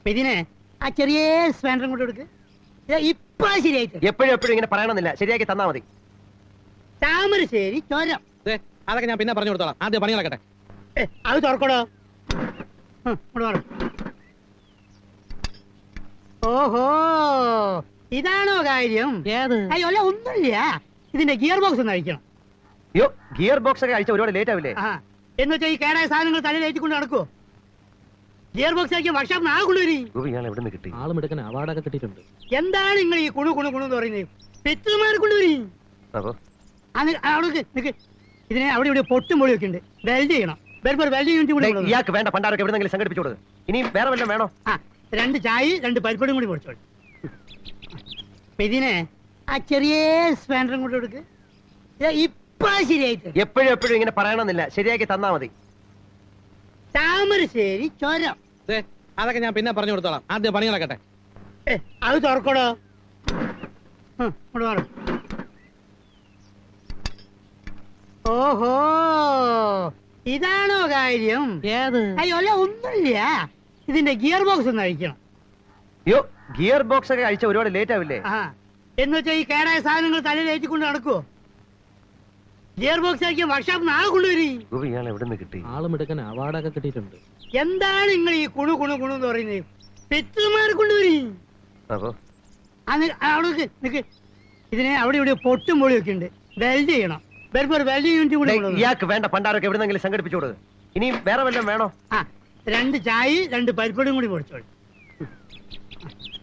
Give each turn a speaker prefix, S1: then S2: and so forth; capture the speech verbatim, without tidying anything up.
S1: ഇതിനെ ആ ചെറിയ സ്പാൻഡറും കൊണ്ട് കൊടുക്ക്. ഇപ്പൊ ശരിയായിട്ട്
S2: എപ്പോഴും എപ്പോഴും ഇങ്ങനെ പറയണമെന്നില്ല, ശരിയാക്കി തന്നാ മതി.
S1: താമരശ്ശേരി ചോരം.
S3: അതൊക്കെ ഞാൻ പിന്നെ പറഞ്ഞു കൊടുത്തോളാം, ആദ്യം പണി നടക്കട്ടെ.
S1: അത് തുറക്കടോ. ഓഹോ, ഇതാണോ കാര്യം? അയ്യോ അല്ല, ഒന്നുമില്ല. ഇതിന്റെ ഗിയർ ബോക്സ് ഒന്ന് അഴിക്കണം.
S2: അയ്യോ, ഗിയർ ബോക്സ് ഒക്കെ അഴിച്ച ഒരുപാട് ലേറ്റ് ആവില്ലേ?
S1: ആ, എന്ന് വെച്ചാൽ ഈ കേടായ സാധനങ്ങൾ തലയിൽ ഏറ്റിക്കൊണ്ട് നടക്കുവോ? ഗിയർ ബോക്സ് ആക്കിയ വർക്ക്ഷോപ്പ് ആ കൊണ്ടുവരി.
S2: കിട്ടി
S3: ആളും എടുക്കാൻ അവാർഡൊക്കെ കിട്ടിയിട്ടുണ്ട്.
S1: എന്താണ് നിങ്ങൾ ഈ കുണു കുണു കുണു എന്ന് പറയുന്നത്? പെറ്റുമാരെ കൊണ്ടുവരി. ഇതിനെ അവിടെ ഇവിടെ പൊട്ടും പൊളിയൊക്കെ ഉണ്ട്. വെൽഡ് ചെയ്യണം. വെൽഡ് യൂണിറ്റ് കൂടി.
S2: ഇയാൾക്ക് വേണ്ട പണ്ടാരൊക്കെ എവിടെന്നെങ്കിലും സംഘടിപ്പിച്ചു കൊടുക്കുക. ഇനി വേറെ വല്ലതും വേണോ?
S1: ആ, രണ്ട് ചായ രണ്ട് പരിപ്പടും കൂടി പൊടിച്ചോളൂ. ഇതിനെ ആ ചെറിയ സ്പാൻഡറും കൊണ്ട് കൊടുക്ക്. ഇപ്പൊ ശരിയായിട്ട്
S2: എപ്പോഴും എപ്പോഴും ഇങ്ങനെ പറയണമെന്നില്ല, ശരിയാക്കി തന്നാ മതി.
S1: താമരശ്ശേരി ചോരം.
S3: അതൊക്കെ ഞാൻ പിന്നെ പറഞ്ഞു കൊടുത്തോളാം, ആദ്യം പണി നടക്കട്ടെ.
S1: അത് തുറക്കടോ. ഓഹോ, ഇതാണോ കാര്യം? അയ്യോ അല്ല, ഒന്നുമില്ല. ഇതിന്റെ ഗിയർ ബോക്സ് ഒന്ന് അഴിക്കണം.
S2: അയ്യോ, ഗിയർ ബോക്സ് ഒക്കെ അഴിച്ച ഒരുപാട് ലേറ്റ് ആവില്ലേ?
S1: ആ, എന്ന് വെച്ചാൽ ഈ കേടായ സാധനങ്ങൾ തലയിൽ ഏറ്റിക്കൊണ്ട് നടക്കുവോ? ഗിയർ ബോക്സ് ആക്കിയ വർക്ക്ഷോപ്പ് ആ കൊണ്ടുവരി.
S2: കിട്ടി
S3: ആളും എടുക്കാൻ അവാർഡൊക്കെ കിട്ടിയിട്ടുണ്ട്.
S1: എന്താണ് നിങ്ങൾ ഈ കുണു കുണു കുണു എന്ന് പറയുന്നത്? പെറ്റുമാരെ കൊണ്ടുവരി. അവിടെ നിക്ക്. ഇതിനെ അവിടെ ഇവിടെ പൊട്ടും പൊളിയൊക്കെ ഉണ്ട്. വെൽഡ് ചെയ്യണം. വെൽഡ് യൂണിറ്റ് കൂടി.
S2: ഇയാൾക്ക് വേണ്ട പണ്ടാരൊക്കെ എവിടെന്നെങ്കിലും സംഘടിപ്പിച്ചു കൊടുക്കുക. ഇനി വേറെ വല്ലതും വേണോ?
S1: ആ, രണ്ട് ചായ രണ്ട് പരിപ്പടും കൂടി പൊടിച്ചോളൂ.